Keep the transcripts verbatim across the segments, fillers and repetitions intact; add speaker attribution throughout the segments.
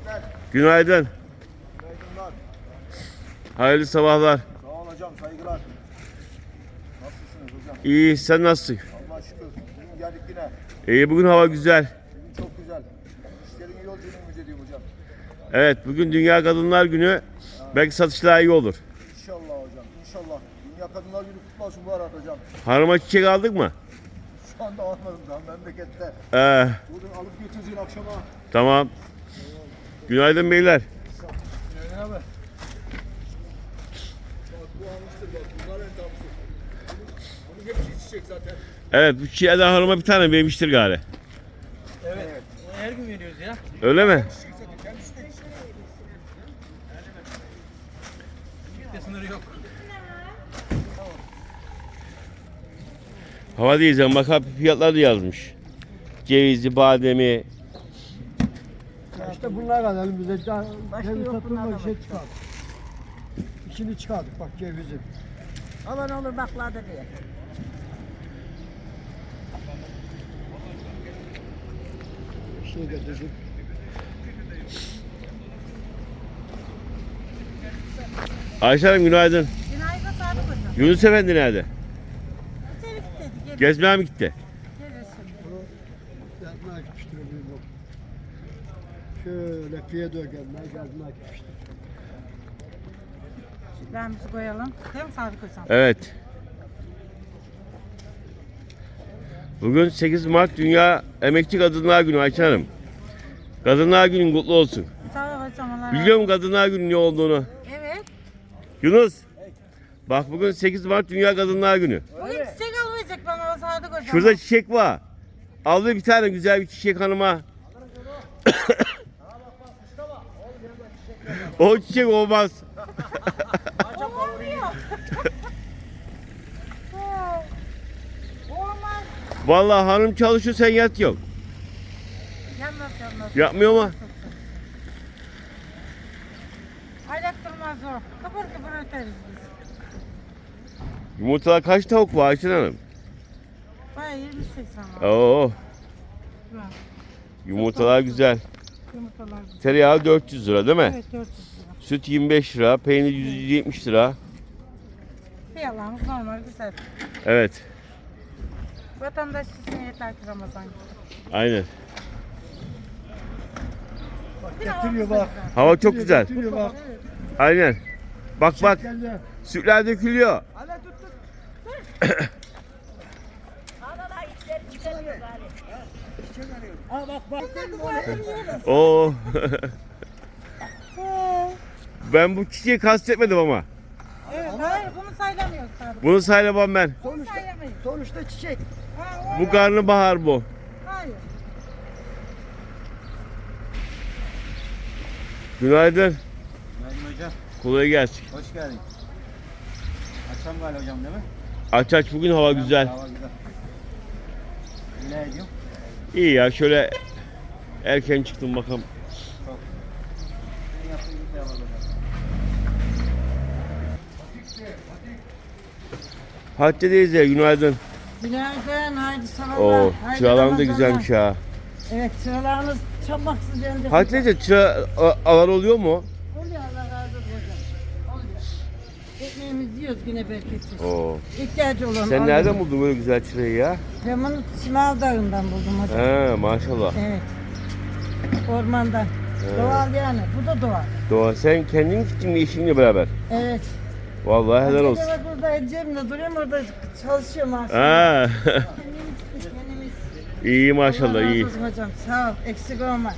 Speaker 1: Günaydın.
Speaker 2: Günaydınlar.
Speaker 1: Hayırlı sabahlar.
Speaker 2: Sağ ol hocam, saygılar. Nasılsınız hocam?
Speaker 1: İyi, sen nasılsın?
Speaker 2: Allah'a şükür. Bugün geldik yine.
Speaker 1: İyi, bugün hava güzel.
Speaker 2: Bugün çok güzel. İşlerin iyi olacağını ümit ediyorum hocam.
Speaker 1: Evet, bugün Dünya Kadınlar Günü. Belki satışlar iyi olur.
Speaker 2: İnşallah hocam, inşallah. Dünya Kadınlar Günü kutlu olsun bu arada hocam.
Speaker 1: Hanıma çiçek aldık mı?
Speaker 2: Şu anda almadım daha memlekette.
Speaker 1: Ee,
Speaker 2: Bugün alıp götüreceğin akşama.
Speaker 1: tamam. Günaydın beyler.
Speaker 2: Günaydın abi. Bak bu almıştır bak, bunlar en damsız. Bunun hepsi çiçek zaten.
Speaker 1: Evet, bu çiçeğe de hanıma bir tane vermiştir gari.
Speaker 3: Evet. Her gün veriyoruz ya.
Speaker 1: Öyle mi?
Speaker 3: Çiftlikte sınırı yok.
Speaker 1: Hava diyeceğim, bak abi fiyatlar da yazmış. Cevizi, bademi.
Speaker 4: İşte bunlar var elimizde.
Speaker 5: Başka
Speaker 4: Ceviz
Speaker 5: yok,
Speaker 4: satılma
Speaker 5: bunlarla
Speaker 4: bir şey
Speaker 5: bak.
Speaker 4: çıkardık. İçini çıkardık bak cevizi.
Speaker 5: Alan olur bakladı diye.
Speaker 4: Şey getirdik.
Speaker 1: Ayşe Hanım günaydın.
Speaker 5: Günaydın Sadık Hocam.
Speaker 1: Yunus Efendi nerede?
Speaker 5: Çevik dedi. Gel.
Speaker 1: Gezmeye mi gitti?
Speaker 5: Gelirsin.
Speaker 4: Bunu yazmaya gitmiştir öbür yok. Şöyle piye dökenler yazmaya gitmiştir.
Speaker 5: Sütlerimizi koyalım. Değil mi Sadık Hocam?
Speaker 1: Evet. Bugün sekiz Mart Dünya Emekçi Kadınlar Günü Ayşe Hanım. Kadınlar Günün kutlu olsun.
Speaker 5: Sağ ol hocam. Allah
Speaker 1: Biliyor musun Kadınlar Günü ne olduğunu?
Speaker 5: Evet.
Speaker 1: Yunus. Bak bugün sekiz Mart Dünya Kadınlar Günü.
Speaker 5: Bugün çiçek almayacak bana o Sadık Hocam.
Speaker 1: Şurada çiçek var. Al bir tane güzel bir çiçek hanıma. O çiçek olmaz.
Speaker 5: Olmuyor. Ha. Olmaz.
Speaker 1: Vallahi hanım çalışıyor sen yat yok.
Speaker 5: Yanmaz yanmaz.
Speaker 1: Yapmıyor mu?
Speaker 5: Aylaktırmaz o. Kıpır kıpır öteriz biz.
Speaker 1: Yumurtalar kaç tavuk var Ayşe Hanım?
Speaker 5: Baya yirmi seksen var.
Speaker 1: Oo,
Speaker 5: Var.
Speaker 1: yumurtalar güzel.
Speaker 5: Yumurtalar güzel.
Speaker 1: Tereyağı dört yüz lira değil mi?
Speaker 5: Evet dört yüz lira.
Speaker 1: Süt yirmi beş lira, peynir yüz yetmiş lira.
Speaker 5: Fiyatlarımız normal güzel.
Speaker 1: Evet,
Speaker 5: Vatandaş için yeter ki Ramazan gibi.
Speaker 1: aynen.
Speaker 4: Bak
Speaker 5: Bir de
Speaker 4: getiriyor
Speaker 5: havamız da
Speaker 4: bak.
Speaker 5: güzel.
Speaker 1: Hava çok güzel.
Speaker 4: Getiriyor bak.
Speaker 1: Aynen. Bak bak,
Speaker 4: Geldi.
Speaker 1: sütler dökülüyor.
Speaker 4: Hala tut tut. Ha bak bak.
Speaker 1: Oo. Ben bu çiçeği kastetmedim ama.
Speaker 5: Evet, hayır bunu saylamıyoruz tabii.
Speaker 1: Bunu saylamam ben.
Speaker 5: Bunu
Speaker 4: Sonuçta,
Speaker 5: sayamayız.
Speaker 4: sonuçta çiçek.
Speaker 5: Ha, o-
Speaker 1: Bu karnabahar bu.
Speaker 5: Hayır.
Speaker 1: Günaydın.
Speaker 3: Günaydın hocam.
Speaker 1: Kolay gelsin.
Speaker 3: Hoş geldin. Akşam galiba hocam değil mi?
Speaker 1: Aç aç bugün hava güzel.
Speaker 3: Hava güzel. Ne ediyorsun?
Speaker 1: İyi ya şöyle erken çıktım bakalım.
Speaker 3: Senin yaptığın bir şey var hocam.
Speaker 1: Hatice'deyiz ya günaydın.
Speaker 5: Günaydın, haydi sabahlar.
Speaker 1: Oo,
Speaker 5: haydi
Speaker 1: çıralarım da
Speaker 5: Ramazanlar.
Speaker 1: güzelmiş ha.
Speaker 5: Evet, çıralarımız çabaksız yandı.
Speaker 1: Hatice çıra a- alan oluyor mu?
Speaker 5: Oluyor Allah razı olsun hocam. Oluyor. Ekmeğimizi yiyoruz yine bereketsiz.
Speaker 1: Oo.
Speaker 5: İhtiyacı olan
Speaker 1: Sen
Speaker 5: alıyor.
Speaker 1: nereden buldun böyle güzel çırayı ya?
Speaker 5: Ben bunu Şimal Dağı'ndan buldum hocam.
Speaker 1: He maşallah.
Speaker 5: Evet. Ormandan. Doğal yani. Bu da doğal.
Speaker 1: Doğa sen kendin gittin mi eşinle beraber?
Speaker 5: Evet.
Speaker 1: Vallahi helal olsun.
Speaker 5: Ben burada cebimde duruyorum orada çalışıyorum aslında.
Speaker 1: Ha.
Speaker 5: Kendimiz, kendimiz.
Speaker 1: iyi maşallah
Speaker 5: Allah razı
Speaker 1: iyi.
Speaker 5: olsun hocam. Sağ ol. Eksik olma.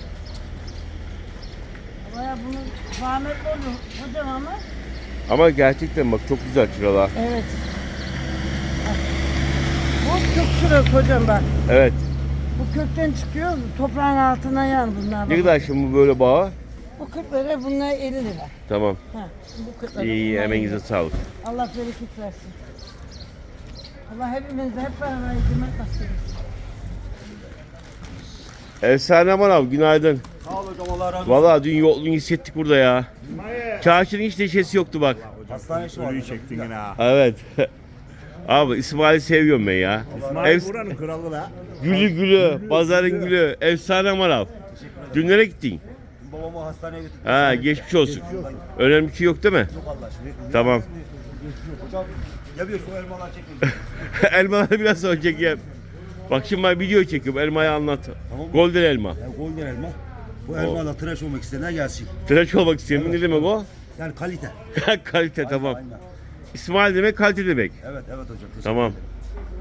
Speaker 5: Baya bunu zahmetli olur hocam ama.
Speaker 1: Ama gerçekten bak çok güzel çıralar.
Speaker 5: Evet. Bak. Bu kök şurası hocam bak.
Speaker 1: Evet.
Speaker 5: Bu kökten çıkıyor toprağın altına yan bunlar.
Speaker 1: Ne
Speaker 5: bak.
Speaker 1: kadar şimdi bu böyle bağa?
Speaker 5: Bu kırk lira bunlar elli lira.
Speaker 1: Tamam.
Speaker 5: Ha, bu kırk lira.
Speaker 1: İyi
Speaker 5: bunlar
Speaker 1: emeğinize
Speaker 5: elli lira.
Speaker 1: sağlık.
Speaker 5: Allah bereket versin. Allah hepimize hep beraber hizmet nasip etsin.
Speaker 1: Efsane Manav günaydın.
Speaker 3: Sağ ol hocam Allah razı olsun.
Speaker 1: Vallahi dün yokluğunu hissettik burada ya. Çarşının hiç neşesi yoktu bak.
Speaker 3: Hastane işi var.
Speaker 6: çektin yine ha.
Speaker 1: Evet. Abi İsmail'i seviyorum ben ya.
Speaker 6: İsmail
Speaker 1: Efs-
Speaker 6: buranın kralı la.
Speaker 1: Gülü gülü, pazarın gülü, efsane Manav. Dün nereye gittin?
Speaker 3: babamı hastaneye götürdüm.
Speaker 1: Ha geçmiş olsun. Önemli bir şey yok değil mi?
Speaker 3: Yok Allah aşkına.
Speaker 1: Tamam.
Speaker 3: Hocam ya bir şu elmalar çekin.
Speaker 1: Elmaları biraz sonra çekeyim. Bak şimdi ben video çekiyorum. Elmayı anlat.
Speaker 3: Tamam.
Speaker 1: Golden elma.
Speaker 3: Ya golden elma. Bu elmayla tıraş olmak isteyenler gelsin.
Speaker 1: Tıraş olmak istiyorum. Ne demek o?
Speaker 3: Yani kalite.
Speaker 1: Kalite tamam.
Speaker 3: Aynen.
Speaker 1: İsmail demek kalite demek.
Speaker 3: Evet evet hocam. Teşekkür
Speaker 1: Tamam.
Speaker 3: ederim.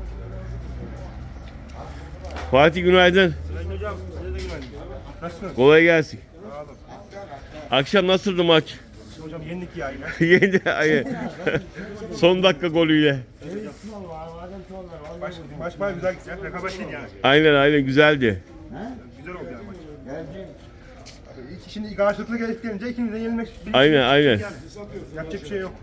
Speaker 1: Fatih günaydın.
Speaker 2: Hocam size de güvendim. Nasılsınız?
Speaker 1: Kolay gelsin.
Speaker 2: Sağ olun.
Speaker 1: Akşam nasıldı maç?
Speaker 2: Hocam yendik ya yine.
Speaker 1: Yendi. Ay. Son dakika golüyle.
Speaker 2: Maç, maç bayağı güzel gitti. Rekabetliydi yani.
Speaker 1: Aynen aynen güzeldi.
Speaker 2: Güzel oldu yani maç. İki, şimdi karşılıklı gelip gelince ikimiz de yenilmek.
Speaker 1: Aynen aynen.
Speaker 2: Yani. Yapacak bir şey yok.